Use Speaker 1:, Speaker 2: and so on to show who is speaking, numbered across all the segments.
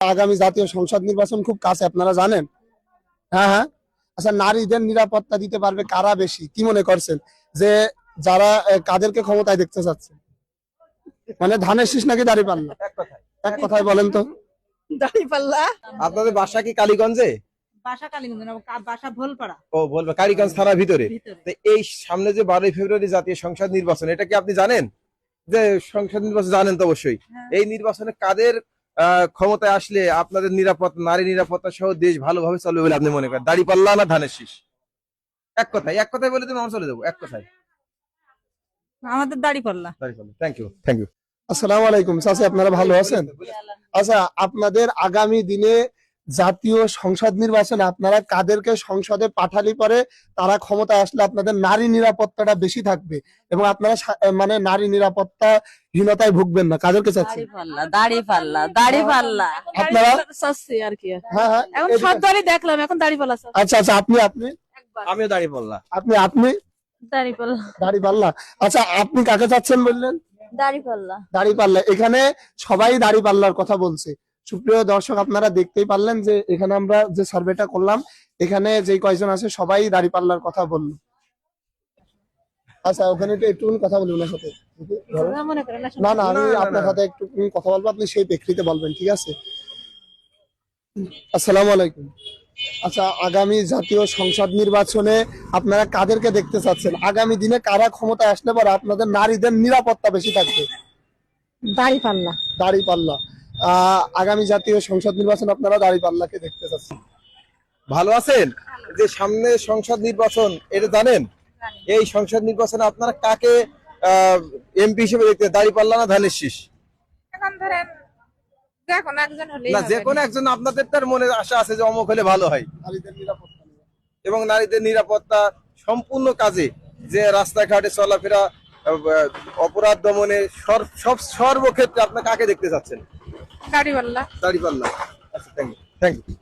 Speaker 1: আগামী জাতীয় সংসদ নির্বাচন খুব কাছে, আপনারা জানেন। হ্যাঁ হ্যাঁ। আচ্ছা, নারীদের নিরাপত্তা দিতে পারবে কারা বেশি, কি মনে করছেন? যে যারা কাদেরকে ক্ষমতায় দেখতে চাচ্ছে, মানে ধানের শীষ নাকি দাঁড়িপাল্লা? এক কথায় বলেন তো।
Speaker 2: দাঁড়িপাল্লা।
Speaker 3: আপনাদের বাসা কি কালীগঞ্জে?
Speaker 2: বাসা কালীগঞ্জ না, বাসা ভোলপাড়া।
Speaker 3: ও, বলবে কালীগঞ্জ থানার ভিতরে। তো এই সামনে যে 12ই ফেব্রুয়ারি জাতীয় সংসদ নির্বাচন, এটা কি আপনি জানেন? যে সংসদ নির্বাচন জানেন তো অবশ্যই। এই নির্বাচনে কাদের ক্ষমতায় আসলে আপনাদের নিরাপত্তা, নারী নিরাপত্তা সহ দেশ ভালোভাবে চলবে বলে আপনি মনে করেন? দাঁড়িপাল্লা না ধানের শীষ? এক কথায় বলে তুমি আমরা চলে যাবো, এক কথায়।
Speaker 2: আমাদের দাঁড়িপাল্লা।
Speaker 3: দাঁড়িপাল্লা। Thank you, thank you.
Speaker 1: আসসালামু আলাইকুম চাচা, আপনারা ভালো আছেন? আচ্ছা, আপনাদের আগামী দিনে জাতীয় সংসদ নির্বাচনে আপনারা কাদেরকে সংসদে পাঠালে পরে তারা ক্ষমতায় আসলে আপনাদের নারী নিরাপত্তাটা বেশি থাকবে এবং আপনারা মানে নারী নিরাপত্তাহীনতায় ভুগবেন না, কাদেরকে চাচ্ছেন?
Speaker 2: দাঁড়িপাল্লা।
Speaker 1: আপনারা?
Speaker 2: চাচ্ছি আর কি।
Speaker 1: হ্যাঁ হ্যাঁ।
Speaker 2: এখন সব দলই দেখলাম, এখন দাঁড়িপাল্লা চাচ্ছি।
Speaker 1: আচ্ছা আচ্ছা, আপনি
Speaker 3: আমিও দাঁড়িপাল্লা।
Speaker 1: আপনি আপনি
Speaker 2: দাঁড়িপাল্লা।
Speaker 1: দাঁড়িপাল্লা। আচ্ছা, আপনি কাকে চাচ্ছেন বললেন?
Speaker 2: দাঁড়িপাল্লা।
Speaker 1: দাঁড়িপাল্লা। এখানে সবাই দাঁড়িপাল্লার কথা বলছে। সুপ্রিয় দর্শক, আপনারা দেখতেই পারলেন যে এখানে আমরা যে সার্ভেটা করলাম, এখানে যে কয়জন আছে সবাই দাঁড়িপাল্লার কথা বললো। আচ্ছা, ওখানে একটু কথা বলি ওনার সাথে। না না, আমি আপনার সাথে একটু কথা বলবো, আপনি সেই প্রেক্ষিতে বলবেন, ঠিক আছে? আসসালামু আলাইকুম। আচ্ছা, আগামী জাতীয় সংসদ নির্বাচনে আপনারা কাদেরকে দেখতে চাচ্ছেন? আগামী দিনে কারা ক্ষমতায় আসলে পরে আপনাদের নারীদের নিরাপত্তা বেশি থাকবে?
Speaker 2: দাঁড়িপাল্লা।
Speaker 1: দাঁড়িপাল্লা। আগামী জাতীয় সংসদ নির্বাচন আপনারা দাঁড়িপাল্লাকে দেখতে চাচ্ছেন।
Speaker 3: ভালো আছেন? যে সামনে সংসদ নির্বাচন, এটা জানেন? এই সংসদ নির্বাচনে আপনারা কাকে এমপি হিসেবে দেখতে, দাঁড়িপাল্লা না ধানের শীষ?
Speaker 2: এখন ধরেন দেখুন একজন হলেই
Speaker 3: না,
Speaker 2: হবে।
Speaker 3: যে কোনো একজন। আপনাদের তার মনে আশা আছে যে অমুক হলে ভালো হয়,
Speaker 1: নারীদের নিরাপত্তা নিয়ে।
Speaker 3: এবং নারীদের নিরাপত্তা সম্পূর্ণ কাজে, যে রাস্তাঘাটে চলাফেরা, অপরাধ দমনে, সব সর্বক্ষেত্রে আপনার কাকে দেখতে চাচ্ছেন?
Speaker 2: দাঁড়িপাল্লা।
Speaker 3: দাঁড়িপাল্লা। আচ্ছা, থ্যাংক ইউ, থ্যাংক ইউ।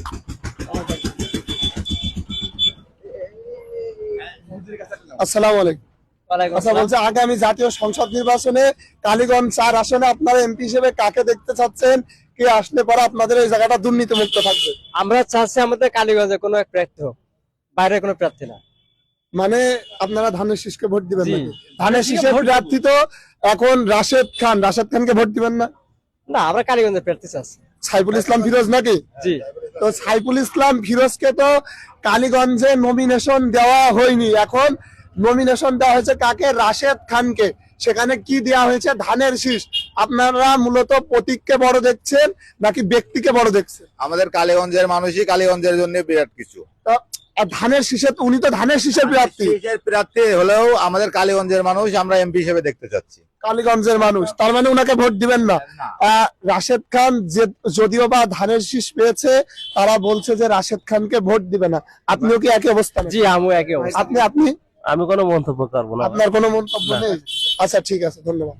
Speaker 1: আসসালামু আলাইকুম। আচ্ছা, বলছে আগামী জাতীয় সংসদ নির্বাচনে কালীগঞ্জ 4 আসনে আপনারা এমপি হিসেবে কাকে দেখতে চাচ্ছেন? কে আসলে পরে আপনাদের এই জায়গাটা দুর্নীতি মুক্ত থাকবে?
Speaker 4: আমরা চাচ্ছি আমাদের কালীগঞ্জে কোনো এক প্রার্থী হোক, বাইরে কোনো প্রার্থী না।
Speaker 1: মানে আপনারা ধানের শীষকে ভোট দিবেন নাকি? ধানের শীষের প্রার্থী তো এখন রাশেদ খানকে ভোট দিবেন না?
Speaker 4: না, আমরা কালীগঞ্জের প্রার্থী চাচ্ছি।
Speaker 1: সাইফুল ইসলাম ফিরোজ নাকি?
Speaker 4: জি।
Speaker 1: তো সাইফুল ইসলাম ফিরোজকে তো কালীগঞ্জে নমিনেশন দেওয়া হয়নি, এখন নমিনেশন দেওয়া হয়েছে কাকে? রাশেদ খানকে। সেখানে কি দেওয়া হয়েছে? ধানের শীষ। আপনারা মূলত প্রতীককে বড় দেখছেন নাকি ব্যক্তিকে বড় দেখছেন?
Speaker 5: আমাদের কালীগঞ্জের মানুষই কালীগঞ্জের জন্য বিরাট কিছু।
Speaker 1: তো ধানের শীষে, উনি তো ধানের শীষের প্রার্থী।
Speaker 5: প্রার্থী হলেও আমাদের কালীগঞ্জের মানুষ আমরা এমপি হিসেবে দেখতে চাচ্ছি।
Speaker 1: কালীগঞ্জের মানুষ, তার মানে উনাকে ভোট দিবেন না? রাশেদ খান যে যদিও বা ধানের শীষ পেয়েছে, তারা বলছে যে রাশেদ খানকে ভোট দিবে না। আপনিও কি একই অবস্থা?
Speaker 4: জি, আমিও একই অবস্থা।
Speaker 1: আপনি
Speaker 4: আমি কোনো মন্তব্য করবো না।
Speaker 1: আপনার কোনো মন্তব্য নেই? আচ্ছা, ঠিক আছে, ধন্যবাদ।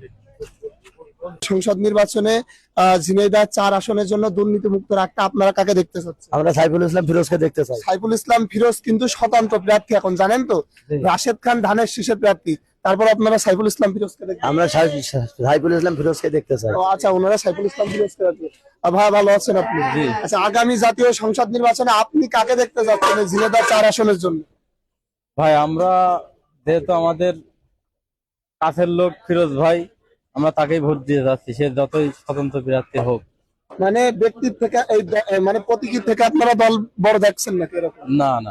Speaker 1: সংসদ নির্বাচনে ঝিনাইদহ 4 আসনের জন্য দুর্নীতি মুক্ত রাখতে আপনারা কাকে দেখতে চাচ্ছেন?
Speaker 4: আমরা সাইফুল ইসলাম ফিরোজকে দেখতে চাই।
Speaker 1: সাইফুল ইসলাম ফিরোজ কিন্তু স্বতন্ত্র প্রার্থী এখন, জানেন তো? রাশেদ খান ধানের শীষের প্রার্থী, তারপর আপনারা সাইফুল ইসলাম ফিরোজকে দেখতে?
Speaker 4: আমরা সাইফুল ইসলাম ফিরোজকে দেখতে চাই।
Speaker 1: আচ্ছা, ওনারা সাইফুল ইসলাম ফিরোজকে দেখতে। ভাই, ভালো আছেন আপনি? আচ্ছা, আগামী জাতীয় সংসদ নির্বাচনে আপনি কাকে দেখতে যাচ্ছেন ঝিনাইদহ 4 আসনের জন্য?
Speaker 6: ভাই, আমরা যেহেতু আমাদের কাছের লোক ফিরোজ ভাই, আমরা তাকেই ভোট দিয়ে যাচ্ছি, সে যতই স্বতন্ত্র প্রার্থী হোক।
Speaker 1: মানে ব্যক্তির থেকে মানে প্রতীকী থেকে আপনারা দল বড় দেখছেন নাকি এরকম?
Speaker 6: না না,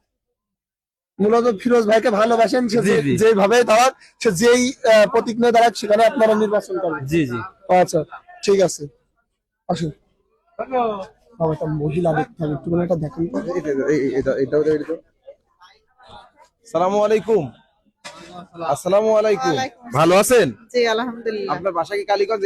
Speaker 1: মূলত ফিরোজ ভাইকে ভালোবাসেন, সে যেভাবে দাঁড়াক, সে যেই প্রতীক নিয়ে দাঁড়াক সেখানে আপনারা নির্বাচন করবেন?
Speaker 6: জি জি।
Speaker 1: আচ্ছা, ঠিক আছে, আসুন। বাবা, একটা মহিলা দেখতে হবে, একটু এটা দেখেন তো।
Speaker 3: আসসালামু আলাইকুম। আসসালামু আলাইকুম। ভালো আছেন?
Speaker 2: জি, আলহামদুলিল্লাহ।
Speaker 3: আপনার বাসা কি কালীগঞ্জ?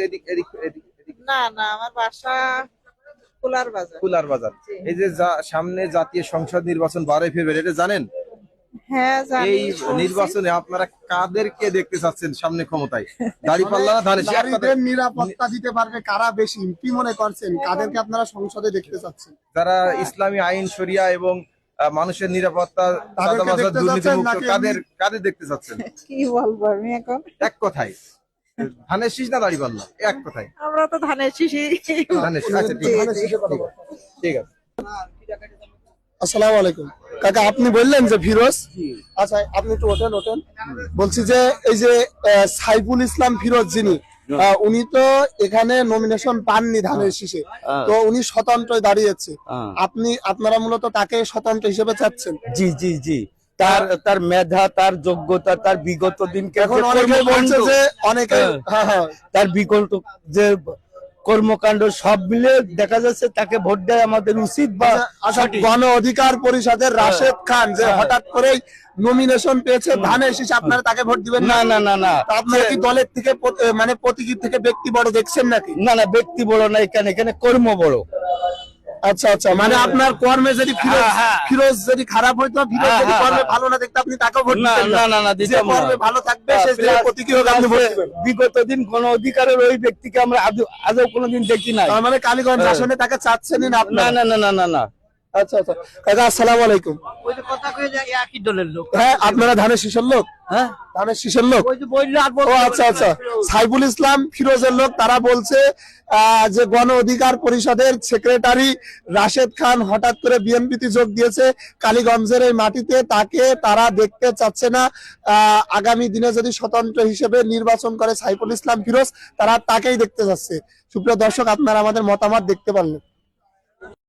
Speaker 2: না না, আমার বাসা কুলার বাজার।
Speaker 3: কুলার বাজার। এই যে সামনে জাতীয় সংসদ নির্বাচন 12ই ফেব্রুয়ারি, এটা জানেন?
Speaker 2: হ্যাঁ জানি।
Speaker 3: এই নির্বাচনে আপনারা কাদেরকে দেখতে চাচ্ছেন সামনে ক্ষমতায়? দাঁড়িপাল্লা না ধানের শীষ?
Speaker 1: নারীদের নিরাপত্তা দিতে পারবে কারা বেশি, কি মনে করছেন? কাদেরকে আপনারা সংসদে দেখতে চাচ্ছেন?
Speaker 3: যারা ইসলামী আইন শরিয়া এবং মানুষের নিরাপত্তা, চাঁদাবাজ, দুর্নীতিমুক্ত, কাদের দেখতে চাচ্ছেন?
Speaker 2: কি বলবো আমি এখন?
Speaker 3: এক কথায়। ধানের শীষ না দাঁড়িপাল্লা এক কথায়
Speaker 2: আমরা তো ধানের শীষই
Speaker 3: ধানের শীষ আচ্ছা ঠিক আছে ঠিক আছে
Speaker 1: আসসালামু আলাইকুম কাকা, আপনি বললেন যে ফিরোজ, আচ্ছা আপনি একটু ওঠেন। বলছি যে এই যে সাইফুল ইসলাম ফিরোজ যিনি, উনি তো এখানে নমিনেশন পাননি ধানের শীষে, তো উনি স্বতন্ত্রই দাঁড়িয়েছে। আপনারা মূলত তাকে স্বতন্ত্র হিসেবে চাচ্ছেন?
Speaker 7: জি জি জি, তার মেধা, তার যোগ্যতা, তার বিগত দিনকে
Speaker 1: এখন অনেকে বলছে যে হ্যাঁ
Speaker 7: তার বিগত যে কর্মকাণ্ড সব মিলে দেখা যাচ্ছে তাকে ভোট দেওয়া আমাদের উচিত বা
Speaker 1: আচ্ছা, গণ অধিকার পরিষদের রাশেদ খান যে হঠাৎ করেই নমিনেশন পেয়েছে ধানের শীষ, আপনারা তাকে ভোট দিবেন
Speaker 7: না না না না
Speaker 1: তা আপনারা কি দলের থেকে মানে প্রতীকী থেকে ব্যক্তি বড় দেখছেন নাকি?
Speaker 7: না না, ব্যক্তি বড় না, এখানে কর্ম বড়।
Speaker 1: আচ্ছা, মানে আপনার কর্মে যদি ফিরোজ যদি খারাপ হইতো, ফিরোজ যদি কর্মে ভালো না দেখতে আপনি তাকেও ভোট
Speaker 7: না
Speaker 1: দিতেন
Speaker 7: না না না,
Speaker 1: যে
Speaker 7: দিতাম না।
Speaker 1: কর্মে ভালো থাকবে সে যে প্রতীকী হোক আপনি ভোট দিবেন।
Speaker 7: বিগত দিন গণ অধিকারের ওই ব্যক্তিকে আমরা আদৌ কোনোদিন দেখি নাই।
Speaker 1: তার মানে কালীগঞ্জ আসনে তাকে চাচ্ছেনই না
Speaker 7: না
Speaker 1: আপনারা?
Speaker 7: না না না না না।
Speaker 1: আচ্ছা কাকা, আসসালামু আলাইকুম।
Speaker 7: একই দলের লোক।
Speaker 1: হ্যাঁ, আপনারা ধানের শীষের লোক?
Speaker 7: হ্যাঁ,
Speaker 1: ধানের শীষের লোক।
Speaker 7: ও
Speaker 1: আচ্ছা, সাইফুল ইসলাম ফিরোজের লোক, তারা বলছে যে গণ অধিকার পরিষদের সেক্রেটারি রাশেদ খান হঠাৎ করে বিএনপিতে যোগ দিয়েছে কালীগঞ্জের এই মাটিতে, তাকে তারা দেখতে চাচ্ছে না। আগামী দিনে যদি স্বতন্ত্র হিসেবে নির্বাচন করে সাইফুল ইসলাম ফিরোজ, তারা তাকেই দেখতে চাচ্ছে। সুপ্রিয় দর্শক, আপনারা আমাদের মতামত দেখতে পারলেন।